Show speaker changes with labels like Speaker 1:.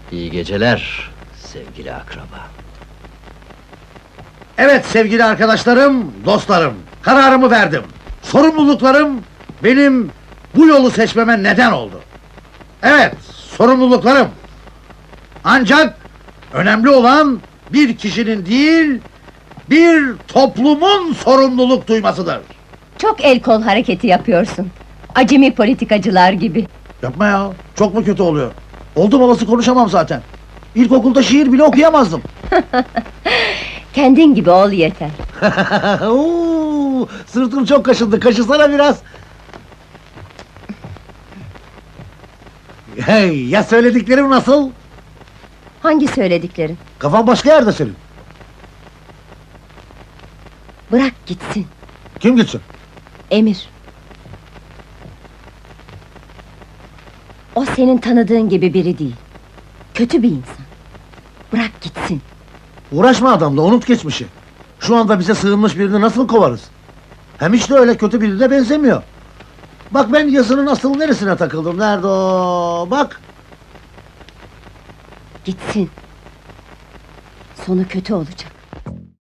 Speaker 1: İyi geceler sevgili akraba.
Speaker 2: Evet sevgili arkadaşlarım, dostlarım, kararımı verdim. Sorumluluklarım benim bu yolu seçmeme neden oldu. Evet, sorumluluklarım. Ancak önemli olan bir kişinin değil, bir toplumun sorumluluk duymasıdır.
Speaker 3: Çok el kol hareketi yapıyorsun. Acemi politikacılar gibi.
Speaker 2: Yapma ya, çok mu kötü oluyor? Oldum olası konuşamam zaten. İlkokulda şiir bile okuyamazdım.
Speaker 3: Kendin gibi ol yeter.
Speaker 2: Oo, sırtım çok kaşındı, kaşısana biraz. Hey, ya söylediklerim nasıl?
Speaker 3: Hangi söylediklerin?
Speaker 2: Kafan başka yerde senin.
Speaker 3: Bırak gitsin.
Speaker 2: Kim gitsin?
Speaker 3: Emir. O senin tanıdığın gibi biri değil. Kötü bir insan. Bırak gitsin.
Speaker 2: Uğraşma adamla, unut geçmişi. Şu anda bize sığınmış birini nasıl kovarız? Hem hiç de öyle kötü birine benzemiyor. Bak ben yazının asıl neresine takıldım, nerede o? Bak!
Speaker 3: Gitsin. Sonu kötü olacak.